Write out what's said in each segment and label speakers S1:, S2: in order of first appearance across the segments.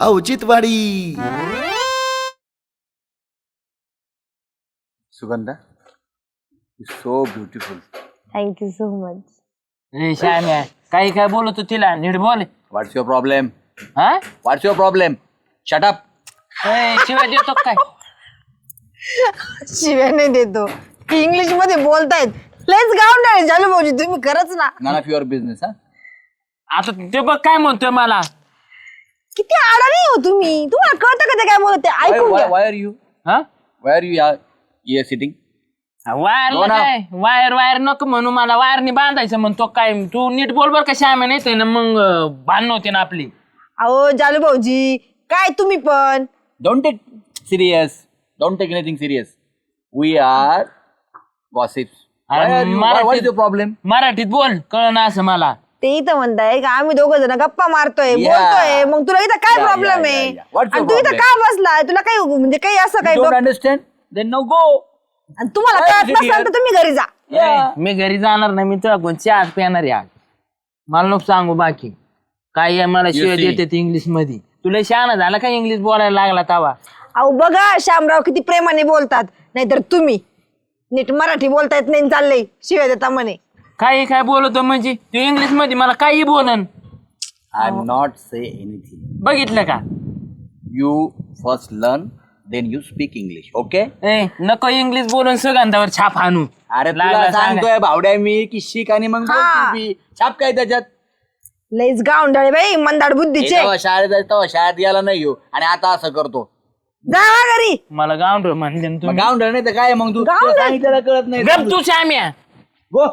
S1: औचित्यवाडी.
S2: Sugandha, so beautiful.
S3: Thank you so much.
S4: श्याम्या काही काय बोलतो तिला नीट बोल.
S2: What's your problem?
S4: हा
S2: what's your problem? Shut up.
S4: शिवाय देतो काय?
S3: शिव्या नाही देतो, इंग्लिश मध्ये बोलतायत. लेट्स गाऊन चालू भाऊजी, तुम्ही खरंच ना.
S2: None of your business.
S4: आता ते बघ काय म्हणतोय मला.
S3: किती आडाणी हो तुम्ही, तुम्हाला कळतं का ते काय बोलत ते? ऐकून घ्या.
S2: Why are you?
S4: हा
S2: why are you here sitting?
S4: Wire काय वायर नको म्हणू मला. वायरनी बांधायचं म्हणतो काय. तू नीट बोल बर का श्याम्या, नाही ना मग भांडण होते ना आपली.
S3: अहो जालू भाऊजी, काय तुम्ही पण.
S2: Don't take serious. Don't take anything serious. We are gossips. Why are you? What is your problem?
S4: मराठीत बोल, कळ ना असं मला.
S3: ते इथं म्हणताय का आम्ही दोघं जण गप्पा मारतोय, बोलतोय, मग तुला इथं काय प्रॉब्लेम आहे?
S2: What's your
S3: आणि तू इथं
S2: problem?
S3: का बसलाय? तुला काही म्हणजे काही असं काही
S2: Don't understand? Then no go.
S3: आणि तुम्हाला कळत नसेल तर तुम्ही घरी जा.
S4: मी घरी जाणार नाही, मी तुला कोणची आज पेणार या. मला नको सांगू बाकी काय आहे. मला शिवाय
S2: see.
S4: देते इंग्लिश मध्ये. तुला शहाणा झाला का इंग्लिश बोलायला लागला तवा?
S3: अहो बघा श्यामराव किती प्रेमाने बोलतात, नाहीतर तुम्ही नीट मराठी बोलता येत नाही, चाललंय शिवाय देता म्हणे.
S4: काही काय बोलतो म्हणजे तू इंग्लिश मध्ये मला काही बोलन.
S2: I'm not say anything.
S4: बघितलं का?
S2: You first learn, then you speak English. Okay?
S4: ए नको इंग्लिश बोलून सुगंधावर छाप आणू.
S2: अरे
S4: लागला
S2: तुला
S4: सांगा.
S2: सांगतोय भावड्या मी की शिक आणि मग बोलतो बी. छाप काय त्याच्यात?
S3: लईच गावंडाळे बाई, मंदाड बुद्धीचे.
S2: तेव्हा शाळेत जायचं तेव्हा शाळेत गेला नाही हो आणि आता असं करतो.
S3: जावा घरी.
S4: मला गावंढळ म्हणले ना
S2: मग
S4: तुम्ही.
S2: गावंढळ नाही तर काय मग तू
S3: गावंढळ?
S2: तुला सांगितलेलं कळत नाही.
S4: गप तू श्याम्या.
S2: गो.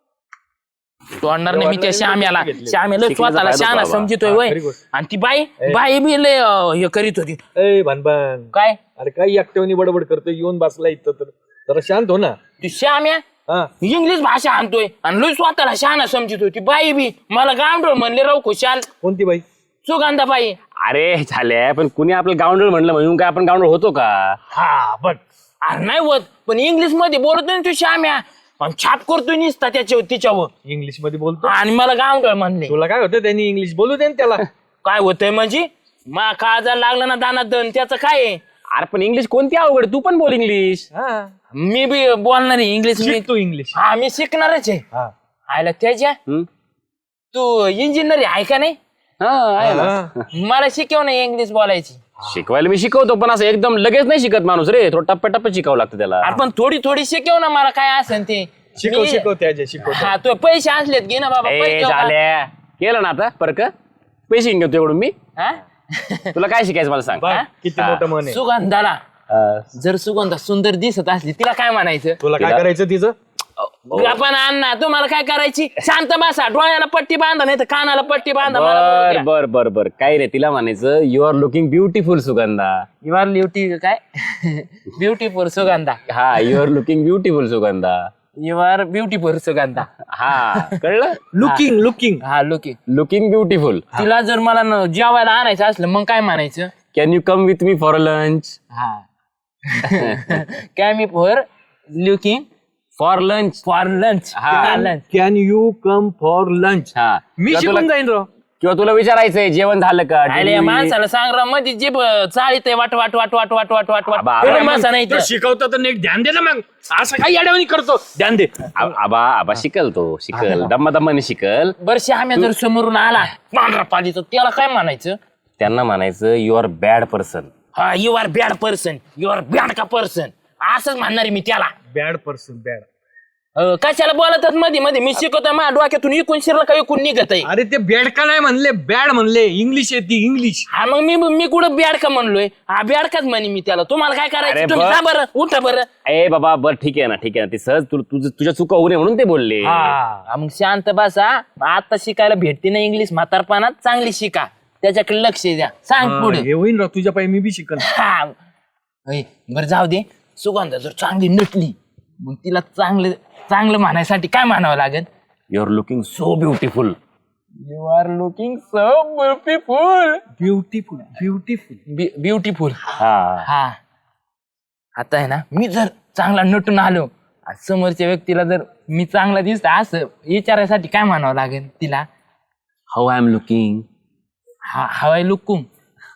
S4: तोडणार नाही मी त्या श्याम्याला. श्याम्याला स्वतःला शहाणा समजितोय वय. आणि ती बाई बी लय हे करीत होती.
S5: ए भानभान,
S4: काय
S5: अरे काही एकट्यावनी बडबड करतोय, येऊन बसला इथं तर जरा शांत हो ना.
S4: ती श्याम्या
S5: हा
S4: इंग्लिश भाषा आणतोय आणि लय स्वतःला शहाणा समजित होती. बाई बी मला गावंढळ म्हणले राव खुशाल.
S5: कोणती बाई?
S4: सुगंधा बाई.
S6: अरे झाले पण कुणी आपलं गावंडळ म्हणलं म्हणून काय आपण गावंडळ होतो का?
S4: हा बघ. अरे नाही होत, पण इंग्लिश मध्ये बोलत नाही तू श्याम्या. आणि छाप करतोय निसता त्याच्यावर तिच्यावर.
S5: इंग्लिश मध्ये बोलतो?
S4: आणि मला गावंढळ म्हणले.
S5: तुला काय होतं, त्यांनी इंग्लिश बोलू दे ना त्याला.
S4: काय होतंय म्हणजे मा काळजा लागला ना दाना दन त्याचं काय आहे?
S6: अरे पण इंग्लिश कोणती अवघड, तू पण बोल इंग्लिश.
S5: हा
S4: मी बी बोलणार आहे इंग्लिश. मी
S5: शिक तू इंग्लिश.
S4: हा मी शिकणारच आहे.
S5: हा
S4: आयला त्याच्या
S6: हम्म?
S4: तू इंजिनियर आहे का नाही?
S6: हा आहे ना.
S5: हा.
S4: मला शिकव नाही इंग्लिश बोलायची.
S6: शिकवायला मी शिकवतो पण असं एकदम लगेच नाही शिकत माणूस रे, थोडं टप्प्याटप्प्यात शिकावं लागतं त्याला.
S4: अरे पण थोडी थोडी शिकव ना मला काय असेल ते.
S5: शिकव
S4: मी-
S5: शिकव त्याचे शिकव.
S4: हा तो पैसे असलेत घे ना बाबा.
S6: ए
S4: पैसे देऊ का?
S6: झाल्या केलं ना आता परक पैसे घेऊन घेतो एवढून मी.
S4: हा?
S6: तुला काय शिकायचं मला सांग.
S5: बघ किती मोठं मन आहे.
S4: सुगंधाला जर सुगंधा सुंदर दिसत असली तिला काय म्हणायचं?
S5: तुला काय करायचं तिचं?
S4: आपण अण्णा तुम्हाला काय करायची? शांत बसा, डोळ्याला पट्टी बांधा नाही तर कानाला पट्टी बांधा. मला बोलू
S6: बर
S4: द्या.
S6: बर बर बर काय रे तिला म्हणायचं you are looking beautiful Sugandha.
S4: You are beauty काय ब्युटीफुल सुगंधा.
S6: हा you are looking beautiful Sugandha.
S4: You are beautiful Sugandha.
S6: हा कळलं.
S5: Looking looking.
S4: हा लुकिंग.
S6: Looking beautiful.
S4: तिला जर मला जेवायला आणायचं असलं मग काय म्हणायचं?
S6: Can you come with me for lunch.
S4: हा काय me for looking
S6: for lunch.
S4: For lunch.
S6: हा.
S4: Lunch.
S5: Can you come for lunch?
S6: हा
S5: मी
S6: किंवा
S5: शिकून
S6: तुला-
S5: जाईन राव.
S6: किंवा तुला विचारायचंय जेवण झालं का.
S4: अरे या माणसाला सांग राव मध्ये जीभ चाळीत आहे वाट वाट वाट वाट वाट वाट वाट वाट.
S6: आबा,
S4: एवढं
S6: आबा,
S4: माणसं नाही
S5: तो
S4: इथं.
S5: शिकवतो तर नीट ध्यान दे ना मग. असं काही अडवणी करतो, ध्यान दे.
S6: आबा आबा शिकल तो शिकल दम्मा दम्माने शिकल.
S4: बरं आम्ही जर समोरून आला पांढरा पालीचं त्याला काय म्हणायचं?
S6: त्यांना म्हणायचं यू आर बॅड पर्सन.
S4: हा you are bad person. You are bad का पर्सन असंच म्हणणार आहे मी त्याला.
S5: Bad person bad.
S4: कशाला बोलतात मध्ये मध्ये? मी शिकवतोय माझ्या डोक्यातून इकून शिरलं का इकून निघत आहे.
S5: अरे ते बॅड का नाही म्हणले, बॅड म्हणले. इंग्लिश येते इंग्लिश.
S4: हा मग मी कुठं बॅड का म्हणलोय? हा बॅड काच म्हणे मी त्याला. तुम्हाला काय
S6: अरे
S4: करायचं? तुम्ही
S6: बा-
S4: जा बरं, उठा बरं.
S6: ए बाबा बर ठीक आहे ना ठीक आहे ना ते सहज तुझ्या चुका होऊ नये म्हणून ते बोलले.
S4: हा मग शांत बसा. आता शिकायला भेटते ना इंग्लिश म्हातारपणात, चांगली शिका, त्याच्याकडे लक्ष द्या. सांग पुढे.
S5: हे होईन राव तुझ्या पायी मी बी शिकन.
S4: हा बरं जाऊ दे. सुगंधा जर चांगली नटली मग तिला चांगलं चांगलं म्हणायसाठी काय म्हणावं लागेल?
S6: You are looking so beautiful.
S4: You are looking so beautiful.
S5: Beautiful beautiful
S4: beautiful.
S6: हा
S4: हा आता आहे ना, मी जर चांगला नटून आलो आणि समोरच्या व्यक्तीला जर मी चांगला दिसत असं विचारायसाठी काय म्हणावं लागेल तिला?
S6: How I am looking.
S4: हा हवाय लुकुम.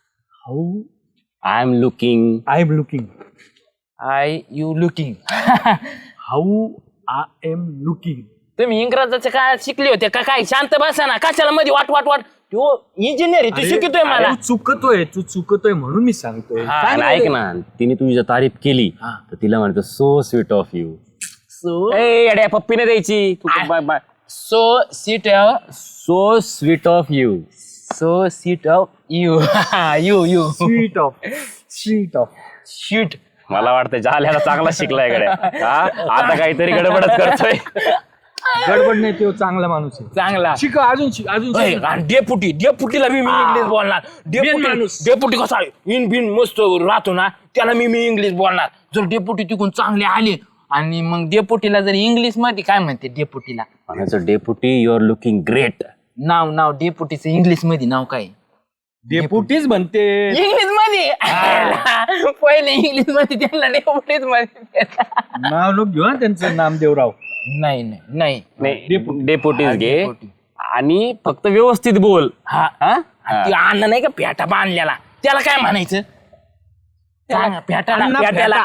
S5: How
S6: I am looking.
S5: I am looking.
S4: I you looking.
S5: How I am looking.
S4: तुम्ही इंग्रजाच्या काळात शिकले होते का काय? शांत बसा ना, कशाला मध्ये वाट वाट वाट. तो इंजिनियर तू शिकतोय मला.
S5: तू चुकतोय म्हणून मी सांगतोय.
S6: आणि ऐक ना, तिने तुझी जर तारीफ केली तर तिला म्हणतो सो स्वीट ऑफ यू.
S4: सो
S6: अड्या पप्पीने द्यायची. Bye bye.
S4: So seat
S6: so sweet of you.
S4: So seat of you. You you
S5: sweet of
S4: shoot.
S6: मला वाटतं जाल्याला चांगला शिकलाय गड्या. आता काहीतरी गडबडच करतोय.
S5: गडबड नाही, तो चांगला माणूस आहे.
S4: चांगला
S5: शिक अजून शिक.
S4: डेपुटीला मी इंग्लिश बोलणार. डेपुटी कसा इन बिन मस्त राहतो ना, त्याला मी इंग्लिश बोलणार. जर डेपुटी तिकून चांगले आले आणि मग डेपुटीला जर इंग्लिश मध्ये काय म्हणते डेपुटीला?
S6: म्हणायचं Deputy you are looking great.
S4: नाव डेपुटीचं इंग्लिश मध्ये नाव काय?
S5: डेपुटीच म्हणते.
S4: इंग्लिश मध्ये पहिले इंग्लिश मध्ये त्यांना डेपुटीच मध्ये.
S5: नाव लोक घेऊ ना त्यांचं, नामदेवराव.
S4: नाही नाही नाही
S6: नाही डेपुटीच घे आणि फक्त व्यवस्थित बोल.
S4: हा ती अन्न नाही का पेटा बांधलेला, त्याला काय म्हणायचं? पेटाला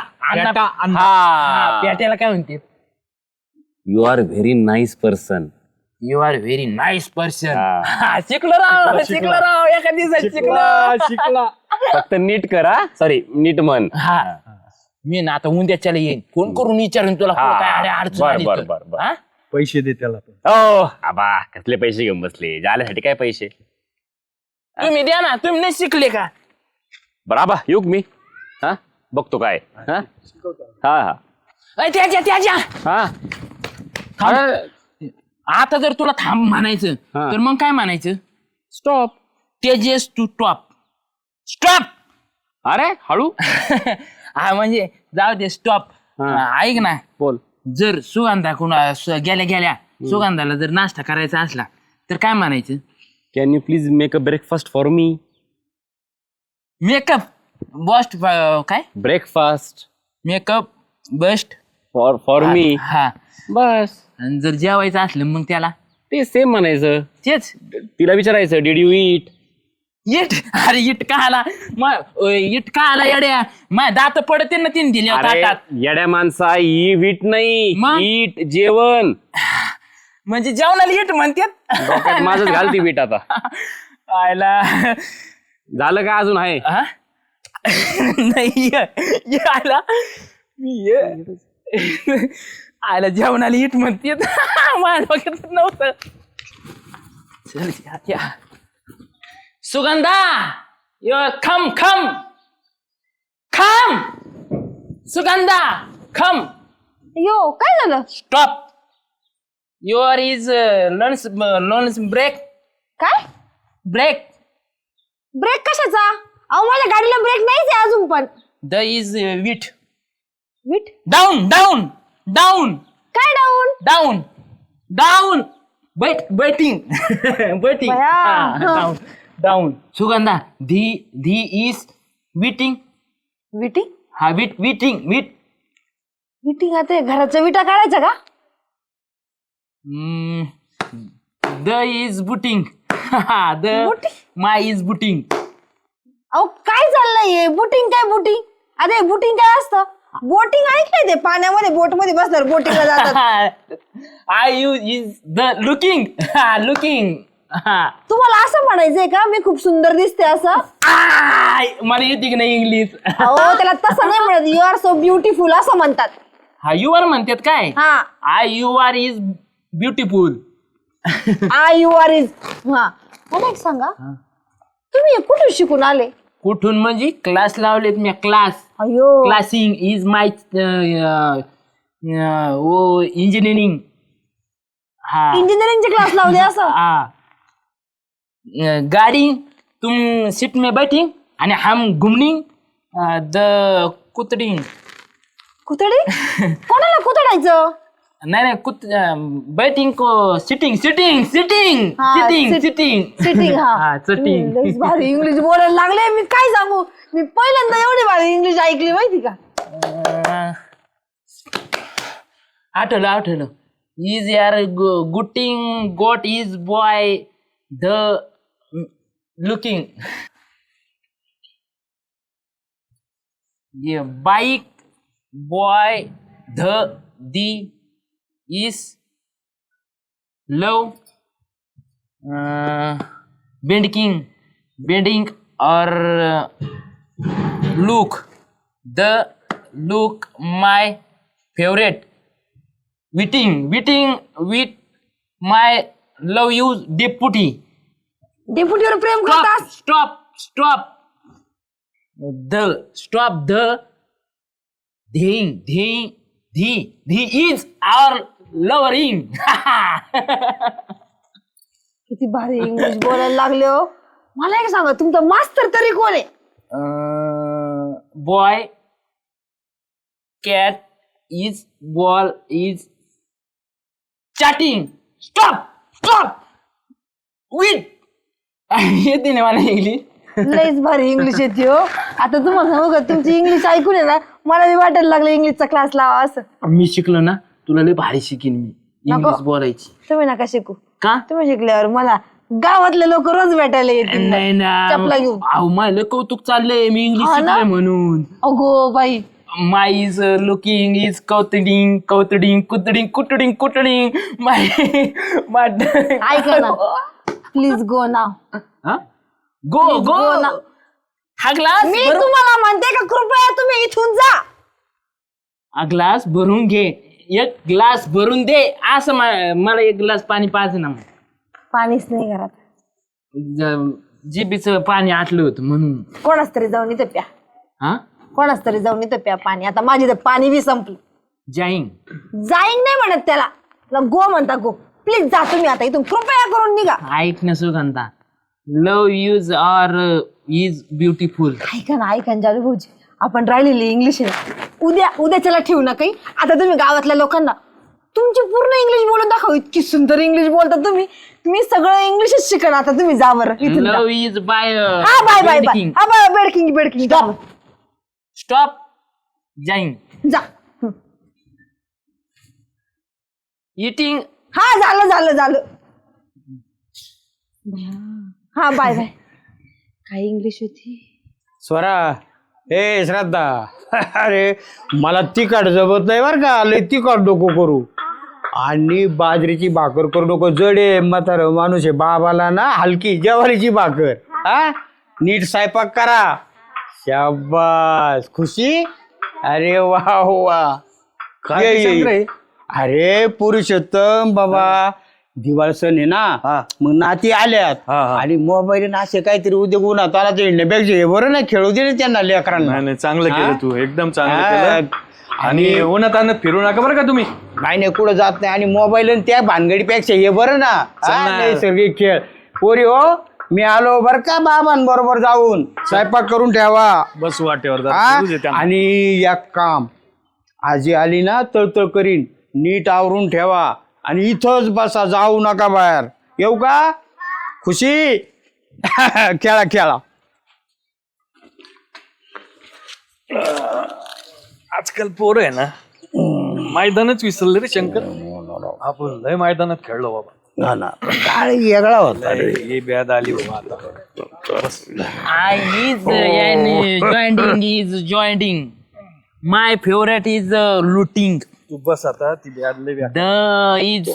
S4: पेट्याला काय म्हणते?
S6: You are very nice person.
S4: You are very nice person. शिकलो राव एका दिवसात
S5: शिकला.
S6: फक्त नीट करा. सॉरी नीट म्हण.
S4: हा मी ना आता उद्याच्याला येईन, फोन करून विचारून तुला काय अडचण आली तर.
S6: बर.
S4: हा?
S5: पैसे दे त्याला.
S6: ओ आबा कसले पैसे घेऊन बसले? जाल्यासाठी काय पैसे?
S4: तुम्ही द्या ना, तुम्ही नाही शिकले का?
S6: बराबा युग मी हा बघतो काय. हा हा
S4: त्याच्या
S6: हा.
S4: आता जर तुला थांब म्हणायचं तर मग काय म्हणायचं?
S6: स्टॉप.
S4: तेजेस टू टॉप. स्टॉप.
S6: अरे हळू.
S4: हा म्हणजे जाऊ दे स्टॉप. ऐक ना,
S6: बोल.
S4: जर सुगंधा गेल्या सुगंधाला जर नाश्ता करायचा असला तर काय म्हणायचं?
S6: Can you please make a breakfast for me.
S4: Makeup bust काय?
S6: Breakfast
S4: makeup bust
S6: for me.
S4: हा
S6: बस.
S4: आणि जर जेवायचं असलं मग त्याला
S6: ते सेम म्हणायचं.
S4: तेच
S6: तिला विचारायचं डिड यू ईट.
S4: इट. अरे इट का आला? इट का आला येड्या? माझ्या दात पडते ना तीन दिले ताटात.
S6: येड्या माणसा ईट नाही
S4: मग?
S6: ईट जेवण.
S4: म्हणजे जेवणाला इट म्हणतात.
S6: डोक्यात माझंच घालती बीट आता.
S4: आयला
S6: झालं का अजून आहे?
S4: हा? नाही आयला मी आयला जेवणाला इट म्हणतात. माझ्या डोक्यात नव्हतं. चल या सुगंधा खम सुगंधा खम.
S3: यो काय झालं?
S4: Stop. Your is lunch break.
S3: काय
S4: ब्रेक.
S3: ब्रेक कशाचा? अहो माझ्या गाडीला ब्रेक नाहीच आहे अजून पण.
S4: द इज विट.
S3: मीठ
S4: डाऊन
S3: काय डाऊन?
S4: Down batting.
S3: बया.
S4: डाऊन. सुगंधा धी इज विटिंग.
S3: विटिंग
S4: हा विटिंग.
S3: विटिंग आता घराच्या विटा काढायच्या का?
S4: The is booting. The
S3: Booting?
S4: My is booting.
S3: अहो काय चाललंय हे? बुटिंग काय बुटिंग? अरे बुटिंग काय असतं? बोटिंग ऐकलंय ते पाण्यामध्ये बोट मध्ये बसणार बोटिंगला जातात.
S4: I you is the looking.
S3: तुम्हाला असं म्हणायचंय का मी खूप सुंदर दिसते असं?
S4: मला येते की नाही इंग्लिश?
S3: अहो त्याला तसं नाही म्हणत. यू आर सो ब्युटिफुल असं म्हणतात.
S4: हा यू आर म्हणतात काय?
S3: हा
S4: I you are is beautiful.
S3: I you are is. हा मला एक सांगा, तुम्ही हे कुठून शिकून आले?
S4: कुठून म्हणजे? क्लास लावलेत मी. क्लास.
S3: अयो
S4: क्लासिंग इज माय इंजिनिअरिंग. हा
S3: इंजिनिअरिंगचे क्लास लावले असं?
S4: हा. गाड़ी तुम सीट में बैठी आणि हम घुमनिंग द कुतडिंग.
S3: कुतडी? कोणाला कुतडायचं?
S4: नाही बैटिंग को सिटिंग.
S3: हा, सिटिंग. हा
S4: सिटिंग.
S3: लईच भारी इंग्लिश बोलायला लागले. मी काय सांगू, मी पहिल्यांदा एवढी भारी इंग्लिश ऐकली माहिती का?
S4: आठवलं. इज यार gutting goat is boy the looking. Bike boy the is love bending और look my favourite waiting with my love you Deputy
S3: डेप्युटीवर प्रेम करतात.
S4: stop the the is our lovering.
S3: किती भारी इंग्लिश बोलायला लागले हो. मला एक सांगा, तुमचा मास्तर तरी कोण आहे?
S4: Boy cat is ball is chatting. Stop with येते ना मला इंग्लिश.
S3: लईच भारी इंग्लिश येते हो. आता तुम्हाला सांगू का, तुमची इंग्लिश ऐकून आहे ना, मला बी वाटायला लागलं इंग्लिशचा क्लास लावा असं.
S4: मी शिकलो ना, तुला लय भारी शिकीन मी इंग्लिश
S3: नको.
S4: बोलायची.
S3: तुम्ही नका शिकू.
S4: का?
S3: तुम्ही शिकल्यावर मला गावातले लोक रोज भेटायला येतील.
S4: नाही ना,
S3: चपला घेऊन.
S4: अहो मला कौतुक चाललंय, मी इंग्लिश
S3: हा ना?
S4: शिकलोय म्हणून.
S3: अगो बाई,
S4: माय इज लुकिंग इज कौतडिंग कुटडिंग माय
S3: ऐका ना, please go now.
S4: Go
S3: go ना.
S4: हा ग्लास
S3: मी तुम्हाला म्हणते का, कृपया तुम्ही इथून जा.
S4: हा ग्लास भरून घे, एक ग्लास भरून दे. असं मला एक ग्लास पाणी पाहिजे ना.
S3: पाणीच नाही घरात.
S4: जिबीचं पाणी आटलं होतं म्हणून.
S3: कोणाच तरी जाऊन इथं प्या.
S4: हा
S3: कोणाच तरी जाऊन इथं प्या पाणी. आता माझी तर पाणी बी संपलं.
S4: जाईन
S3: जाईन नाही म्हणत त्याला, गो म्हणता गो. प्लीज जा तुम्ही आता इथून, कृपया करून निघा.
S4: ऐक ना सुगंधा, love use are is beautiful.
S3: ऐका ना जालू भाऊजी, आपण राहिलेली इंग्लिश आहे उद्याच्याला ठेवू ना काही. आता तुम्ही गावातल्या लोकांना तुमची पूर्ण इंग्लिश बोलून दाखव. इतकी सुंदर इंग्लिश बोलता तुम्ही. मी सगळं इंग्लिशच शिकण. आता तुम्ही जा बरं इथून जा.
S4: लव इज बाय
S3: हा बाय बाय बाय. हा बाय, बेडकिंग जा.
S4: स्टॉप जाईन
S3: जा.
S4: इटिंग.
S3: हा झालं. हा बाय बाय. काय इंग्लिश होती?
S1: स्वरा, ए श्रद्धा, अरे मला तिखट जमत नाही बरं का, लय तिखट नको करू. आणि बाजरीची भाकर करू नको, जडे म्हातारं माणूस आहे. बाबाला ना हलकी ज्वारीची भाकर. हा, नीट स्वयंपाक करा. शाबास खुशी. अरे वा वा. ये. अरे पुरुषोत्तम बाबा, दिवाळ सण आहे ना, मग नाती आल्यात आणि मोबाईल असे काहीतरी उद्योग उन्हात आला ते हिंडण्यापेक्षा हे बरं ना, खेळू दे त्यांना लेकरांना.
S5: नाही चांगलं केलं तू, एकदम चांगलं केलं. आणि उन्हात आणत फिरू नका बरं का तुम्ही.
S1: नाही कुठं जात नाही. आणि मोबाईल आणि त्या भानगडीपेक्षा हे बरं ना, नैसर्गिक खेळ. पोरी हो, मी आलो बरं का बाबांबरोबर जाऊन. स्वयंपाक करून ठेवा.
S5: बस वाटेवर
S1: आणि एक काम, आजी आली ना तळतळ करीन, नीट आवरून ठेवा. आणि इथंच बसा, जाऊ नका बाहेर. येऊ का खुशी? खेळा.
S5: आजकाल पोरं आहे ना, मैदानच विसरले रे शंकर. आपण लय मैदानात खेळलो बाबा.
S1: काय वेगळा होता.
S5: ही ब्याद आली बाबा आता.
S4: जॉईंटिंग माय फेवरेट इज लुटिंग.
S5: तू बस आता, ती ब्याद लय ब्याद.
S4: The is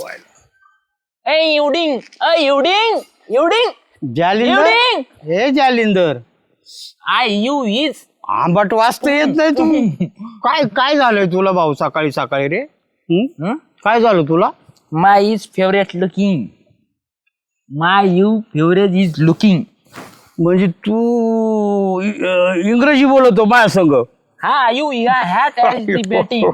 S1: Jalinder. हे जालिंदर,
S4: आय यू इज
S1: आंबट वाचता येत नाही तू. काय झालंय तुला भाऊ सकाळी रे? काय झालं तुला?
S4: My is favourite looking. My you favourite is looking.
S1: म्हणजे तू इंग्रजी बोलतो माझ्या संग?
S4: हा, यू हॅट डिबेटिंग.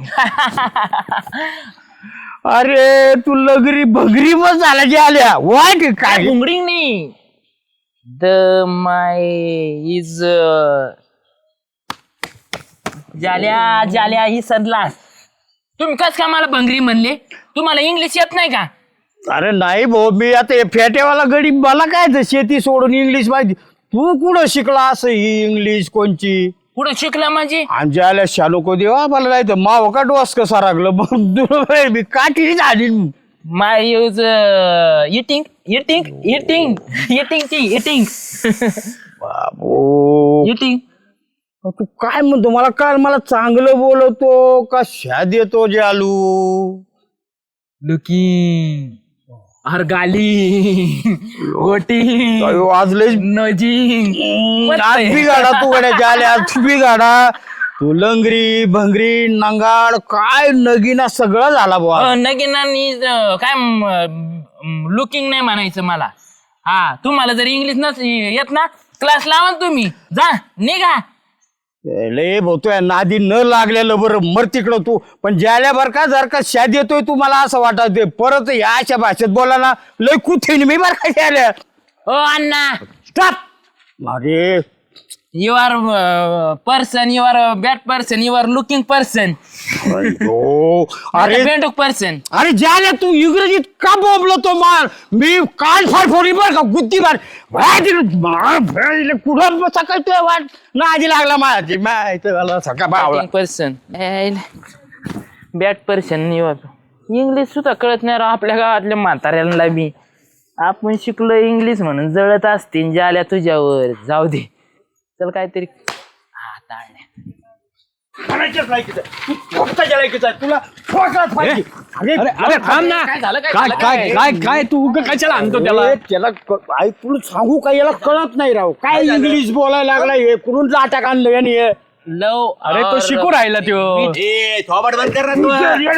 S1: अरे तू लगरी भगरी मग झाला जे आल्या वाट काय
S4: घुंगडी नाही. द माय इज जाल्या ही सदलास. तुम्ही कस का मला भंगरी म्हणले? तुम्हाला इंग्लिश येत नाही का?
S1: अरे नाही भाऊ, मी आता हे फेट्यावाला गडी, मला काय तर शेती सोडून इंग्लिश माहिती. तू कुठं शिकला असं ही इंग्लिश कोणची?
S4: कुठं शिकला म्हणजे?
S1: आमच्या आल्या शालो को देवा मला नाही तर माव का डोस कसा लागलं मी काठी झाली.
S4: माय यूज इटिंग
S1: बाबू
S4: इटिंग
S1: तू काय म्हणतो मला काल मला चांगलं बोलवतो का शाद येतो जालू?
S4: लुकिंग गाली वोटिंग
S1: अयो, आज लय
S4: नजिंग
S1: आज बिघाडा तू गड्या जाल्या, आज बिघाडा तू लंगरी भंगरी नंगाड काय नगीना सगळं झाला बुवा.
S4: नगिनानी काय लुकिंग नाही म्हणायचं मला. हा तुम्हाला जर इंग्लिश नस येत ना क्लास लावा ना तुम्ही, जा निघा.
S1: लय बोलतोय नादी न लागलेलं बरं मर तिकडं तू. पण ज्याल्या बर का जर का शाद येतोय तू मला असं वाटत परत या अशा भाषेत बोला ना लय कुठे मी बरं का ज्याल्या.
S4: हो अण्णा
S1: अरे
S4: you are person, you are bad person, you are looking person,
S1: अयो, अरे
S4: बेंडूक पर्सन.
S1: अरे ज्याला तू इंग्रजीत का बोबलतो मार मी काल फार फोडी बर का गुत्ती मार कुठं सकाळ तुझ्या वाट ना आजी लागला माझी माहिती सकाळ
S4: person bad person. You are English सुद्धा कळत नाही राव आपल्या गावातल्या म्हाताऱ्यांना बी. आपण शिकलो इंग्लिश म्हणून जळत असतील ज्याला तुझ्यावर. जाऊ दे चल काहीतरी.
S1: तुला
S5: अरे थांब ना. काय काय काय काय तू कशाला आणतो त्याला?
S1: त्याला तुला सांगू का याला कळत नाही राव काय इंग्लिश बोलायला लागला हे कुठून लाटा आणलं याने हे.
S4: लव
S5: अरे तो शिकू राहिला त्यो.
S2: थोबाड बंद कर ना तू.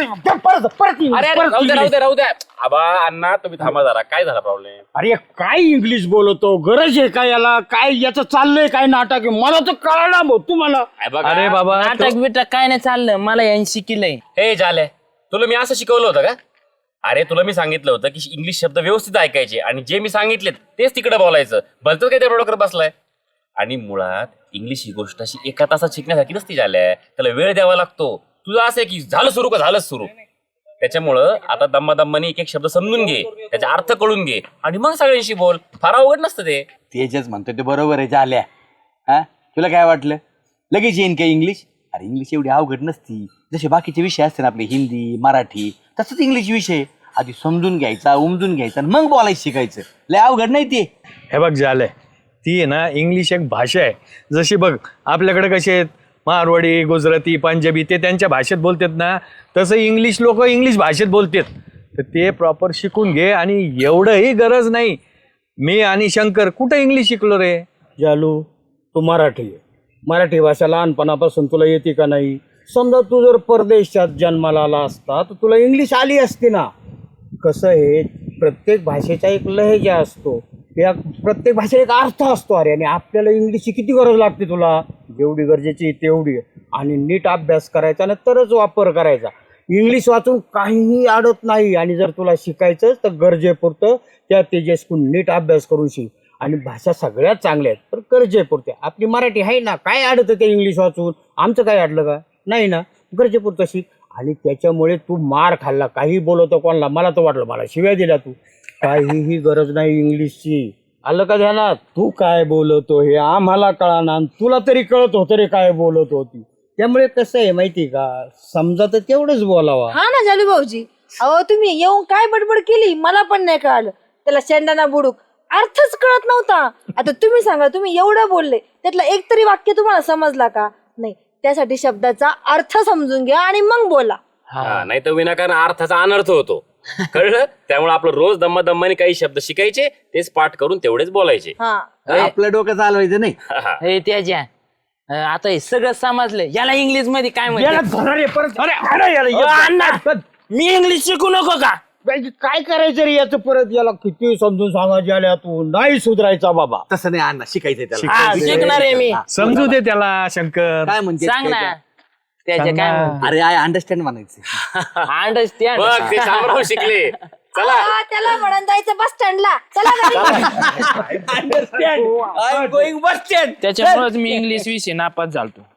S6: राहू द्या आबा अण्णा तुम्ही थांबा जरा. काय झाला प्रॉब्लेम?
S1: अरे काय इंग्लिश बोलतो गरज आहे का याला काय याचं चाललंय काय नाटक आहे मला तर कळलं भाऊ तुम्हाला.
S5: अरे बाबा
S4: नाटक बिटक काय नाही चाललं मला यांनी शिकलंय.
S6: हे झालंय तुला मी असं शिकवलं होतं का? अरे तुला मी सांगितलं होतं की इंग्लिश शब्द व्यवस्थित ऐकायचे आणि जे मी सांगितले तेच तिकडे बोलायचं. भलतंच काय त्या डोक्यावर बसलाय. आणि मुळात इंग्लिश ही गोष्ट अशी एका तासात शिकण्यासारखी नसती झाल्या, त्याला वेळ द्यावा लागतो. तुझं असं आहे की झालं सुरू का झालंच सुरू. त्याच्यामुळं आता दम्मादम्माने एक एक शब्द समजून घे, त्याचा अर्थ कळून घे आणि मग सगळ्यांशी बोल. फार अवघड नसतं ते.
S2: तेजच म्हणतो ते बरोबर आहे झाल्या. हा तुला काय वाटलं लगेच येईन काय इंग्लिश? अरे इंग्लिश एवढी अवघड नसती. जसे बाकीचे विषय असते ना आपले हिंदी मराठी तसंच इंग्लिश विषय आधी समजून घ्यायचा उमजून घ्यायचा मग बोलायचं शिकायचं. लय अवघड नाही ते.
S5: हे बघ झालंय ती आहे ना इंग्लिश एक भाषा आहे. जशी बघ आपल्याकडे कसे आहेत मारवाडी गुजराती पंजाबी ते त्यांच्या भाषेत बोलतात ना तसं इंग्लिश लोक इंग्लिश भाषेत बोलतात. तर ते प्रॉपर शिकून घे. आणि एवढंही गरज नाही. मी आणि शंकर कुठं इंग्लिश शिकलो रे?
S1: जालू तू मराठी आहे. मराठी भाषा लहानपणापासून तुला येते का नाही? समजा तू जर परदेशात जन्माला आला असता तर तुला इंग्लिश आली असती ना. कसं आहे प्रत्येक भाषेचा एक लहेजा असतो, या प्रत्येक भाषेला एक अर्थ असतो. अरे आणि आपल्याला इंग्लिशची किती गरज लागते तुला? जेवढी गरजेची तेवढी. आणि नीट अभ्यास करायचा ना तरच वापर करायचा. इंग्लिश वाचून काहीही अडत नाही. आणि जर तुला शिकायचं तर गरजेपुरतं त्या तेजस्कून नीट अभ्यास करून शिक. आणि भाषा सगळ्यात चांगल्या आहेत पण गरजेपुरते. आपली मराठी आहे ना काय अडतं ते इंग्लिश वाचून? आमचं काय अडलं का? नाही ना. गरजेपुरतं शिक. आणि त्याच्यामुळे तू मार खाल्ला काही बोलवतो कोणाला. मला तर वाटलं मला शिव्या दिल्या तू. काहीही गरज नाही इंग्लिशची. आलं का ध्यानात? तू काय बोलतो हे आम्हाला कळाना तुला तरी कळत होतं रे काय बोलत होती. त्यामुळे कसं आहे माहिती का समजा तर तेवढंच बोलावा.
S3: हा ना जालू भाऊजी. अहो तुम्ही येऊन काय बडबड केली मला पण नाही कळालं. त्याला शेंडाना बुडूक अर्थच कळत नव्हता. आता तुम्ही सांगा तुम्ही एवढं बोलले त्यातलं एक तरी वाक्य तुम्हाला समजला का? नाही. त्यासाठी शब्दाचा अर्थ समजून घ्या आणि मग बोला.
S6: नाही तर विनाकारण अर्थाचा अनर्थ होतो. कळलं? त्यामुळे आपलं रोज दम्मादम्माने काही शब्द शिकायचे तेच पाठ करून तेवढेच बोलायचे.
S2: आपलं डोकं चालवायचं नाही.
S4: हे त्याच्या आता हे सगळं समजलं. याला इंग्लिश मध्ये काय म्हणतात? मी इंग्लिश शिकू नको का?
S1: काय करायचं रे याचं परत याला किती समजून सांगायचे आल्या तू नाही सुधरायचा बाबा.
S2: तसं नाही अण्णा शिकायचंय त्याला.
S4: हा, शिकणार आहे मी.
S5: समजू दे त्याला शंकर.
S2: काय म्हणते
S4: सांग ना त्याच्या काय म्हणते?
S2: अरे आय अंडरस्टँड म्हणायचं.
S4: अंडरस्टँड.
S6: बघ ते शामराव शिकले. चला
S3: त्याला म्हणून जायचं बस स्टँडला. चला
S2: understand. I am going bus stand.
S4: त्याच्यामुळेच मी इंग्लिश विषय नापास झालतो.